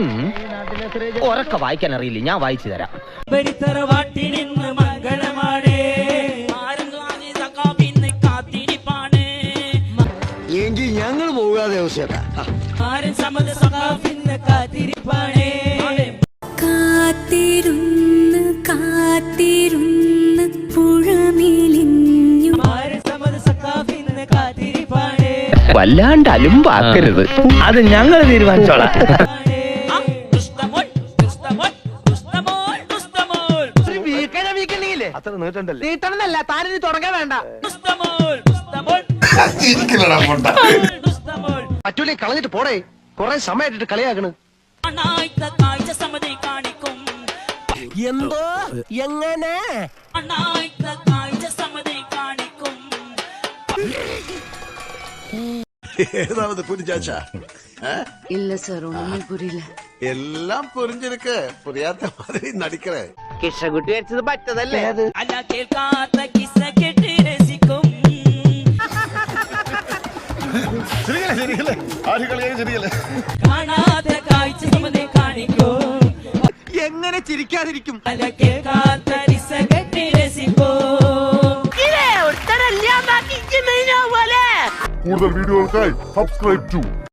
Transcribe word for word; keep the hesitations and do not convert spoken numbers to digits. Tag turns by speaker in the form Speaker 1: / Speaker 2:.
Speaker 1: ഉറക്കെ വായിക്കാൻ അറിയില്ല, ഞാൻ വായിച്ചു തരാം.
Speaker 2: എങ്കിൽ ഞങ്ങൾ പോകാതെ
Speaker 3: കാത്തിരുന്ന് കാത്തിരുന്ന് പുഴമേലിഞ്ഞു
Speaker 1: വല്ലാണ്ട് അലുമ്പാക്കരുത്, അത് ഞങ്ങൾ തീരുമാനിച്ചോളാം.
Speaker 2: അത്ര നീട്ടണ്ടല്ലേ? നീട്ടണമെന്നല്ല, താനിനി തുടങ്ങാൻ വേണ്ട. പറ്റൂലേ, കളഞ്ഞിട്ട് പോടേ. കൊറേ സമയമായിട്ട് കളിയാക്കണ്.
Speaker 1: എന്തോ എങ്ങനെ
Speaker 4: ஏதாவது புரிஞ்சாச்சா?
Speaker 5: இல்ல சார், ஒண்ணுமே புரியல.
Speaker 4: எல்லாம் புரிஞ்சிருக்கு, புரியாத மாதிரி நடிக்கிறேன்.
Speaker 1: കിഷകുട്ടി വെച്ചത് പറ്റതല്ലേ അത്?
Speaker 6: അല്ല കേൾക്കാത്ത കിസ്സ കേട്ട് രസിക്കും. കാണാത്ത കാഴ്ച സമതെ കാണിക്കും.
Speaker 2: എങ്ങനെ ചിരിക്കാതിരിക്കും?
Speaker 6: അല്ല കേൾക്കാത്ത കിസ്സ കേട്ട് രസിക്കും.
Speaker 7: കൂടുതൽ വീഡിയോകൾക്കായി സബ്സ്ക്രൈബ് ടു